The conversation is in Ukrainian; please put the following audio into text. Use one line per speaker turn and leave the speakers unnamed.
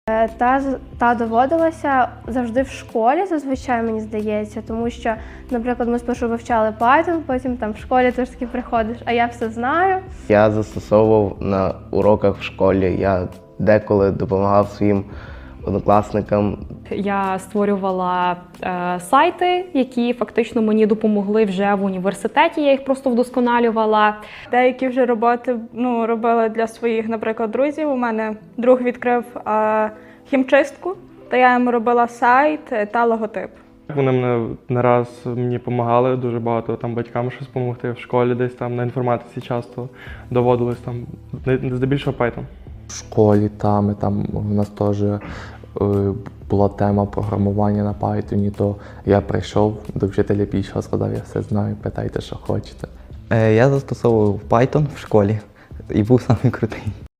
Та доводилася завжди в школі, зазвичай, мені здається, тому що, наприклад, ми спершу вивчали Python, потім там в школі ти ж таки приходиш, а я все знаю.
Я застосовував на уроках в школі, я деколи допомагав своїм однокласникам.
Я створювала сайти, які фактично мені допомогли вже в університеті, я їх просто вдосконалювала.
Деякі вже роботи робила для своїх, наприклад, друзів. У мене друг відкрив хімчистку, та я йому робила сайт та логотип.
Вони не раз мені допомагали, дуже багато там батькам щось допомогти в школі, десь там на інформатиці часто доводилось там, здебільшого Python.
В школі там у нас теж була тема програмування на Python, то я прийшов до вчителя більше, сказав, я все знаю, питайте, що хочете.
Я застосовував Python в школі і був самий крутий.